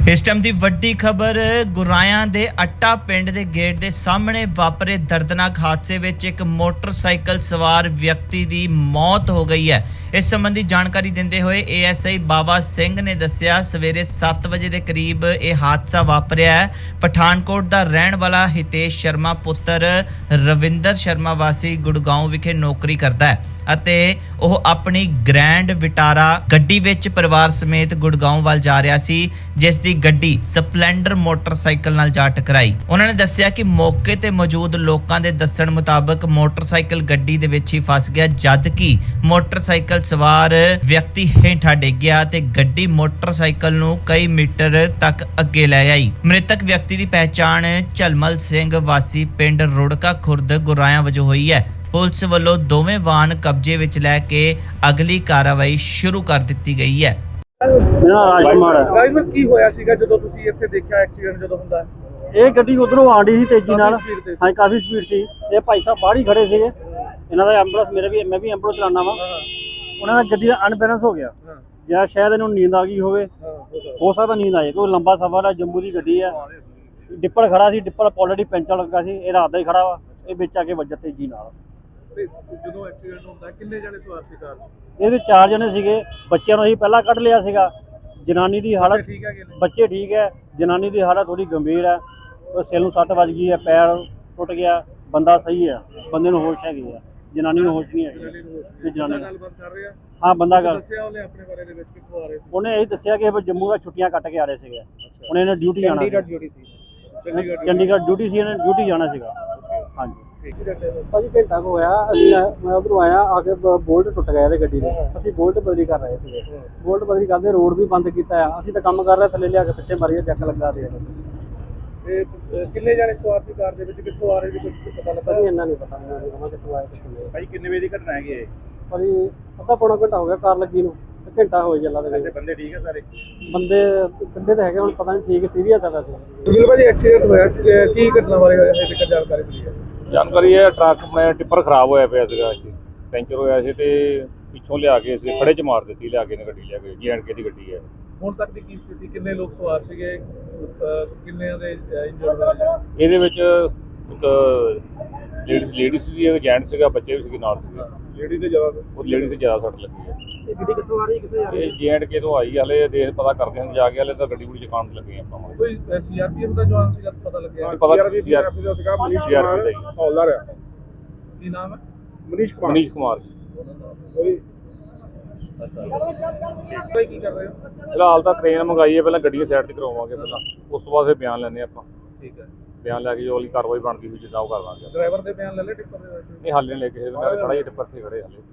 इस टाइम की वड्डी खबर गुरायां दे अट्टा पिंड दे गेट दे सामने वापरे दर्दनाक हादसे विच एक मोटरसाइकिल सवार व्यक्ति की मौत हो गई है। इस संबंधी जानकारी देंदे हुए ASI बाबा सिंह ने दस्सिया सवेरे 7 बजे के करीब यह हादसा वापरिया है। पठानकोट का रहने वाला हितेश शर्मा पुत्र रविंदर शर्मा वासी गुड़गांव विखे नौकरी करता है ਅਤੇ ਉਹ ਆਪਣੀ ਗ੍ਰੈਂਡ ਵਿਟਾਰਾ ਗੱਡੀ ਵਿੱਚ ਪਰਿਵਾਰ ਸਮੇਤ ਗੁੜਗਾਉਂ ਵੱਲ ਜਾ ਰਿਹਾ ਸੀ, ਜਿਸ ਦੀ ਗੱਡੀ ਸਪਲੈਂਡਰ ਮੋਟਰਸਾਈਕਲ ਨਾਲ ਜਾ ਟਕਰਾਈ। ਉਹਨਾਂ ਨੇ ਦੱਸਿਆ ਕਿ ਮੌਕੇ ਤੇ ਮੌਜੂਦ ਲੋਕਾਂ ਦੇ ਦੱਸਣ ਮੁਤਾਬਕ ਮੋਟਰਸਾਈਕਲ ਗੱਡੀ ਦੇ ਵਿੱਚ ਹੀ ਫਸ ਗਿਆ, ਜਦ ਕਿ ਮੋਟਰਸਾਈਕਲ ਸਵਾਰ ਵਿਅਕਤੀ ਹੇਠਾਂ ਡਿੱਗ ਗਿਆ ਤੇ ਗੱਡੀ ਮੋਟਰਸਾਈਕਲ ਨੂੰ ਕਈ ਮੀਟਰ ਤੱਕ ਅੱਗੇ ਲੈ ਗਈ। ਮ੍ਰਿਤਕ ਵਿਅਕਤੀ ਦੀ ਪਹਿਚਾਣ ਝਲਮਲ ਸਿੰਘ ਵਾਸੀ ਪਿੰਡ ਰੁੜਕਾ ਖੁਰਦ ਗੁਰਾਇਆ ਵਜੋਂ ਹੋਈ ਹੈ। पुलिस वालों दोवें वाहन कब्जे विच लैके अगली कार्रवाई शुरू कर दी गई है। मेरा राजकुमार है। ਰਾਜਵੀਰ ਕੀ ਹੋਇਆ ਸੀਗਾ ਜਦੋਂ ਤੁਸੀਂ ਇੱਥੇ ਦੇਖਿਆ ਐਕਸੀਡੈਂਟ ਜਦੋਂ ਹੁੰਦਾ ਇਹ ਗੱਡੀ ਉਧਰੋਂ ਆਂਡੀ ਸੀ ਤੇਜ਼ੀ ਨਾਲ, ਹਾਂ ਕਾਫੀ ਸਪੀਡ ਸੀ। ਇਹ ਭਾਈ ਸਾਹਿਬ ਬਾਹਰ ਹੀ ਖੜੇ ਸੀਗੇ, ਇਹਨਾਂ ਦਾ ਐਂਬੂਲੈਂਸ ਮੈਂ ਵੀ ਐਂਬੂਲੈਂਸ ਚਲਾਉਣਾ ਵਾ। ਉਹਨਾਂ ਦਾ ਗੱਡੀ ਦਾ ਅਨਬੈਲੈਂਸ ਹੋ ਗਿਆ ਜਾਂ ਸ਼ਾਇਦ ਇਹਨੂੰ ਨੀਂਦ ਆ ਗਈ ਹੋਵੇ, ਹੋ ਸਕਦਾ ਨੀਂਦ ਆਏ ਕਿਉਂਕਿ ਲੰਬਾ ਸਫ਼ਰ ਹੈ, ਜੰਮੂ ਦੀ ਗੱਡੀ ਹੈ। ਡਿੱਪਰ ਖੜਾ ਸੀ, ਡਿੱਪਰ ਆਲਰੇਡੀ ਪੈਂਚਰ ਲੱਗਾ ਸੀ, ਇਹ ਰਾਤ ਦਾ ਹੀ ਖੜਾ ਵਾ। ਇਹ ਵਿੱਚ ਆ ਕੇ ਵੱਜਾ ਤੇਜ਼ੀ ਨਾਲ। ਜਦੋਂ ਐਕਸੀਡੈਂਟ ਹੁੰਦਾ ਕਿੰਨੇ ਜਣੇ ਸਵਾਰ ਸੀ ਕਾਰ ਇਹਦੇ 4 ਜਣੇ ਸੀਗੇ। ਬੱਚਿਆਂ ਨੂੰ ਅਸੀਂ ਪਹਿਲਾਂ ਕੱਢ ਲਿਆ ਸੀਗਾ। ਜਨਾਨੀ ਦੀ ਹਾਲਤ ਠੀਕ ਹੈ? ਬੱਚੇ ਠੀਕ ਹੈ, ਜਨਾਨੀ ਦੀ ਹਾਲਤ ਥੋੜੀ ਗੰਭੀਰ ਹੈ। ਉਹ ਸਿਰ ਨੂੰ ਸੱਟ ਵੱਜ ਗਈ ਹੈ, ਪੈਰ ਟੁੱਟ ਗਿਆ। ਬੰਦਾ ਸਹੀ ਹੈ, ਬੰਦੇ ਨੂੰ ਹੋਸ਼ ਹੈਗੀ ਹੈ, ਜਨਾਨੀ ਨੂੰ ਹੋਸ਼ ਨਹੀਂ ਹੈਗੀ। ਜਨਾਨੀ ਗੱਲਬਾਤ ਕਰ ਰਿਹਾ? ਹਾਂ, ਬੰਦਾ ਗੱਲ ਦੱਸਿਆ ਉਹਨੇ ਆਪਣੇ ਬਾਰੇ ਦੇ ਵਿੱਚ ਕਿੱਥੋਂ ਆ ਰਹੇ ਸੀ? ਉਹਨੇ ਇਹ ਦੱਸਿਆ ਕਿ ਇਹ ਜੰਮੂ ਦਾ ਛੁੱਟੀਆਂ ਕੱਟ ਕੇ ਆ ਰਹੇ ਸੀਗੇ। ਉਹਨੇ ਇਹਨੇ ਡਿਊਟੀ ਜਾਣਾ ਸੀ, ਚੰਡੀਗੜ੍ਹ ਡਿਊਟੀ ਸੀ, ਇਹਨੇ ਡਿਊਟੀ ਜਾਣਾ ਸੀਗਾ। ਹਾਂਜੀ ਭਾਜੀ ਘੰਟਾ ਕੁ ਹੋਇਆ, ਮੈਂ ਉਧਰੋਂ ਆਇਆ, ਆ ਕੇ ਬੋਲਟ ਟੁੱਟ ਗਿਆ ਇਹਦੇ ਗੱਡੀ ਦੇ। ਅਸੀਂ ਬੋਲਟ ਬਦਲੀ ਕਰ ਰਹੇ ਸੀਗੇ, ਬੋਲਟ ਬਦਲੀ ਕਰਦੇ ਰੋਡ ਵੀ ਬੰਦ ਕੀਤਾ ਆ। ਅਸੀਂ ਤਾਂ ਕੰਮ ਕਰ ਰਹੇ, ਥੱਲੇ ਲਿਆ ਕੇ ਪਿੱਛੇ ਮਾਰੀਏ, ਚੱਕ ਲੱਗਾ ਦੇ। ਕਿੰਨੇ ਜਣੇ ਸਵਾਰ ਸੀ ਕਾਰ ਦੇ ਵਿੱਚ, ਕਿੱਥੋਂ ਆ ਰਹੇ ਸੀ ਕੁਝ ਪਤਾ ਲੱਗਾ? ਭਾਜੀ ਇੰਨਾ ਨਹੀਂ ਪਤਾ ਮੈਨੂੰ ਕਿੱਥੋਂ ਆਏ ਕਿੱਥੋਂ ਨਹੀਂ। ਭਾਜੀ ਕਿੰਨੇ ਵਜੇ ਦੀ ਘਟਨਾ ਹੈਗੀ ਇਹ? ਭਾਜੀ ਅੱਧਾ ਪੌਣਾ ਘੰਟਾ ਹੋ ਗਿਆ ਕਾਰ ਲੱਗੀ ਨੂੰ, ਤੇ ਘੰਟਾ ਹੋ ਚੱਲਾ ਦੇ ਵਿੱਚ। ਬੰਦੇ ਠੀਕ ਹੈ ਸਾਰੇ? ਬੰਦੇ ਕਿੰਨੇ ਤਾਂ ਹੈਗੇ, ਹੁਣ ਪਤਾ ਨਹੀਂ ਠੀਕ ਸੀਰੀਅਸ ਆ ਵੈਸੇ। ਬਿਲਕੁਲ ਭਾਜੀ ਐਕਸੀਡੈਂਟ ਹੋਇਆ, ਕੀ ਘਟਨਾ ਬਾਰੇ ਹੋਇਆ ਹੈ ਤੇ ਜਾਣਕਾਰੀ ਮਿਲੀ ਹੈ? ਜਾਣਕਾਰੀ ਹੈ ਟਰੱਕ ਮੈਂ ਟਿੱਪਰ ਖਰਾਬ ਹੋਇਆ ਪਿਆ ਸੀਗਾ, ਇੱਥੇ ਪੈਂਚਰ ਹੋਇਆ ਸੀ ਤੇ ਪਿੱਛੋਂ ਲਿਆ ਕੇ ਅਸੀਂ ਖੜੇ 'ਚ ਮਾਰ ਦਿੱਤੀ, ਲਿਆ ਕੇ ਨੇ ਗੱਡੀ ਲਿਆ ਕੇ J&K ਦੀ ਗੱਡੀ ਹੈ। ਹੁਣ ਤੱਕ ਦੀ ਕੀ ਸਥਿਤੀ, ਕਿੰਨੇ ਲੋਕ ਸਵਾਰ ਸੀਗੇ, ਕਿੰਨਿਆਂ ਦੇ ਇੰਜਰਡ ਹੋਏ? ਇਹਦੇ ਵਿੱਚ ਇੱਕ ਲੇਡੀ ਸੀ, ਇੱਕ ਜੈਂਟ ਸੀਗਾ, ਬੱਚੇ ਵੀ ਸੀਗੇ ਨਾਲ ਸੀਗੇ। ਲੇਡੀ ਤੇ ਜ਼ਿਆਦਾ? ਉਹ ਲੇਡੀ 'ਤੇ ਜ਼ਿਆਦਾ ਸੱਟ ਲੱਗੀ ਹੈ। ਇਹ ਗੱਡੀ ਕਿੱਥੋਂ ਆ ਰਹੀ ਕਿੱਥੇ ਜਾ ਰਹੀ? ਇਹ J&K ਤੋਂ ਆਈ, ਹਲੇ ਦੇਖ ਪਤਾ ਕਰਦੇ ਹਾਂ ਜਾ ਕੇ, ਹਲੇ ਤਾਂ ਗੱਡੀ ਗੁੱਡੀ ਚਕਾਉਣ ਲੱਗੇ ਆਪਾਂ। ਕੋਈ CRPF ਦਾ ਜਵਾਨ ਸੀਗਾ ਪਤਾ ਲੱਗਿਆ? ਪਤਾ CRPF ਦਾ ਸੀਗਾ, ਮਨੀਸ਼ ਕੁਮਾਰ ਹੌਲਦਾਰ ਹੈ। ਕੀ ਨਾਮ ਹੈ? ਮਨੀਸ਼ ਕੁਮਾਰ ਜੀ। ਕੋਈ ਕੀ ਕਰ ਰਹੇ ਹੋ? ਫਿਲਹਾਲ ਤਾਂ ਕ੍ਰੇਨ ਮੰਗਾਈ ਹੈ, ਪਹਿਲਾਂ ਗੱਡੀਆਂ ਸਾਈਡ ਤੇ ਕਰਵਾਵਾਂਗੇ, ਪਹਿਲਾਂ ਉਸ ਤੋਂ ਬਾਅਦ ਫਿਰ ਬਿਆਨ ਲੈਣੇ ਆਪਾਂ। ਠੀਕ ਹੈ, ਬਿਆਨ ਲੈ ਕੇ ਜੋ ਵਾਲੀ ਕਾਰਵਾਈ ਬਣਦੀ ਹੋਈ ਜਿੱਦਾਂ ਉਹ ਕਰ ਲਾਂਗੇ। ਡਰਾਈਵਰ ਦੇ ਬਿਆਨ ਲੈ ਲੈ ਟਿੱਪਰ ਦੇ ਵਿੱਚ? ਨਹੀਂ ਹਾਲੇ ਨਹੀਂ ਲੈ ਕੇ, ਮੈਂ ਖੜਾ ਹੀ ਟਿੱਪਰ ਤੇ ਖੜੇ ਹਾਲੇ।